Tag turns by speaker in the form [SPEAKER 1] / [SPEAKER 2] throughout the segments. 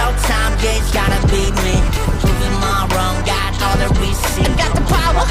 [SPEAKER 1] showtime, yeah, it's gotta be me. Proving my wrong, got all the receipts. I got the power,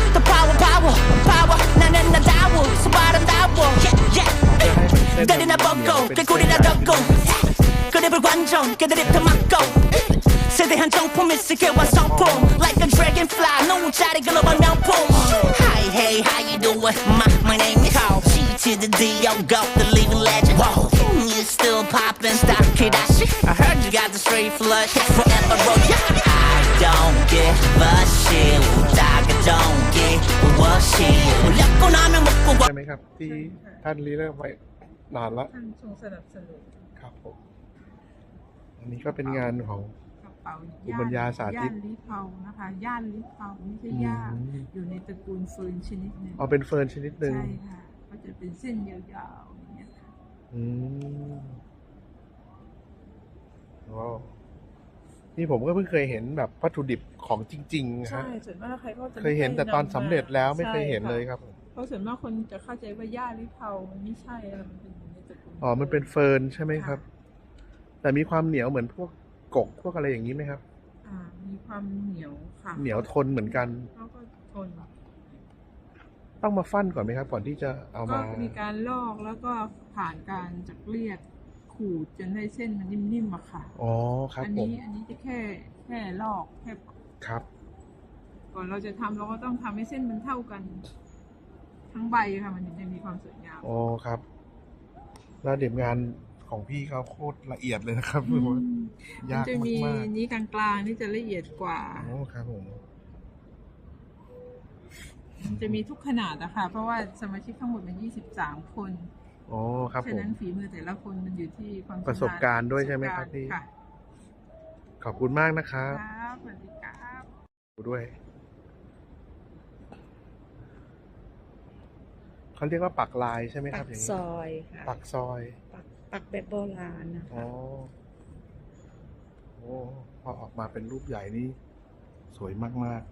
[SPEAKER 1] 나는 나다워, so 아름다워. Yeah. 때리나 벗고, 꾀꼬리나 덮고. 그립을 관종, 그들이 더 막고. 세대한 정품 있을게와 성품. Like a dragonfly, 노자리 글로벌 명품. Hi, hey, how you doing? My name is Carl. G to the D, yo, go, the living legend. Whoa, you still poppin', stop Kardashian. I heard you got the straight flush, forever roll. I don't give a shit. 웃다가 don't give a shit. 울렸고 나면 먹고.
[SPEAKER 2] ใช่ไหมครับที่ท่านรีเริ่มไว้นานละ
[SPEAKER 3] ท่านทรงสนับสนุน
[SPEAKER 2] ครับผมอันนี้ก็เป็นงานของ
[SPEAKER 3] กระเป๋า
[SPEAKER 2] ภูมิปัญญาสาธิต
[SPEAKER 3] ย่านลิเผานะคะย่านลิเผาไม่ใช่ย่าอยู่ในตระกูลเฟิร์นชนิดหนึ่ง
[SPEAKER 2] เอาเป็นเฟิร์นชนิดหนึ่ง
[SPEAKER 3] ใช่ค่ะก็จะเป็นเส้นยาวๆอย่างเงี้ยค่ะ
[SPEAKER 2] ว้าวนี่ผมก็เพิ่งเคยเห็นแบบวัตถุดิบของจริงๆครั
[SPEAKER 3] ใช่
[SPEAKER 2] บ
[SPEAKER 3] ส่วนมากใครก็จะ
[SPEAKER 2] เคยเห็นแต่ตอนสำเร็จแล้วไม่เคยเห็นเลยครับ
[SPEAKER 3] เพราะส่วนมากคนจะเข้าใจว่าย่าลิเผามันไม่ใช่อะมันเป็นอยู่ในตระกูล
[SPEAKER 2] อ๋อมันเป็นเฟิร์นใช่ไหมครับ แต่มีความเหนียวเหมือนพวกกกพวกอะไรอย่างนี้ไหมครับ
[SPEAKER 3] มีความเหนียวค่ะ
[SPEAKER 2] เหนียวทนเหมือนกัน
[SPEAKER 3] แล้วก็ทน
[SPEAKER 2] ต้องมาฟั่นก่อนไหมครับ ก่อนที่จะเอา
[SPEAKER 3] ก็
[SPEAKER 2] มา
[SPEAKER 3] มีการลอกแล้วก็ผ่านการจักเลียดขูดจนให้เส้นมันนิ่มๆอะค่ะ
[SPEAKER 2] อ๋อครับ
[SPEAKER 3] อัน
[SPEAKER 2] ผม
[SPEAKER 3] นี้จะแค่ลอกแค่
[SPEAKER 2] ครับ
[SPEAKER 3] ก่อนเราจะทำเราก็ต้องทำให้เส้นมันเท่ากัน ทั้งใบค่ะมันถึงจะมีความสวยงาม
[SPEAKER 2] อ๋อครับ แล้วเดี๋ยวงานของพี่เขาโคตรละเอียดเลยนะครับ
[SPEAKER 3] มั
[SPEAKER 2] ยาก
[SPEAKER 3] จะมี
[SPEAKER 2] มาก
[SPEAKER 3] นี้กลางๆนี่จะละเอียดกว่า
[SPEAKER 2] ๆโอ้ครับผม
[SPEAKER 3] มันจะมีทุกขนาดอะค่ะเพราะว่าสมาชิกทั้งหมดมัน23 คน
[SPEAKER 2] อ๋อครับผ
[SPEAKER 3] ฉะ
[SPEAKER 2] ม
[SPEAKER 3] นั้นฝีมือแต่ละคนมันอยู่ที่ความชำนญ
[SPEAKER 2] ประสบการณ์ด้วยใช่ไหมครับพี่
[SPEAKER 3] ค่ะ
[SPEAKER 2] ขอบคุณมากนะครับ
[SPEAKER 3] ครับสวัสดีครับ
[SPEAKER 2] ด้วยเขาเรียกว่าปักลายใช่ไหมค
[SPEAKER 4] ปั
[SPEAKER 2] รับ
[SPEAKER 4] ก
[SPEAKER 2] อย่าง
[SPEAKER 4] ซ
[SPEAKER 2] นี้
[SPEAKER 4] อยค่ะ
[SPEAKER 2] ปักซอย
[SPEAKER 4] ปักแบบโบราณนะคะ
[SPEAKER 2] อ๋อโอ้พอออกมาเป็นรูปใหญ่นี่สวยมาก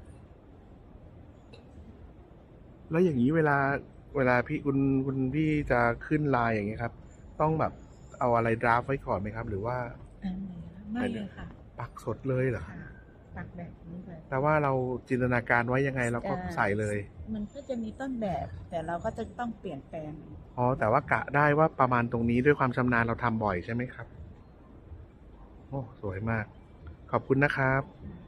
[SPEAKER 2] ๆ แล้วอย่างนี้เวลาพี่คุณพี่จะขึ้นลายอย่างเงี้ยครับ ต้องแบบเอาอะไรดราฟไว้ก่อนไหมครับ หรือว่า
[SPEAKER 4] ไม่เลยค่ะ
[SPEAKER 2] ปักสดเลยเหรอ
[SPEAKER 4] ค่ะ ปักแบบนี้เลย
[SPEAKER 2] แต่ว่าเราจินตนาการไว้ยังไงเราก็ใส่เลย
[SPEAKER 4] มันก็จะมีต้นแบบ แต่เราก็จะต้องเปลี่ยนแปลง
[SPEAKER 2] อ๋อแต่ว่ากะได้ว่าประมาณตรงนี้ด้วยความชำนาญเราทำบ่อยใช่ไหมครับ โอ้สวยมาก ขอบคุณนะครับ
[SPEAKER 4] ค่ะ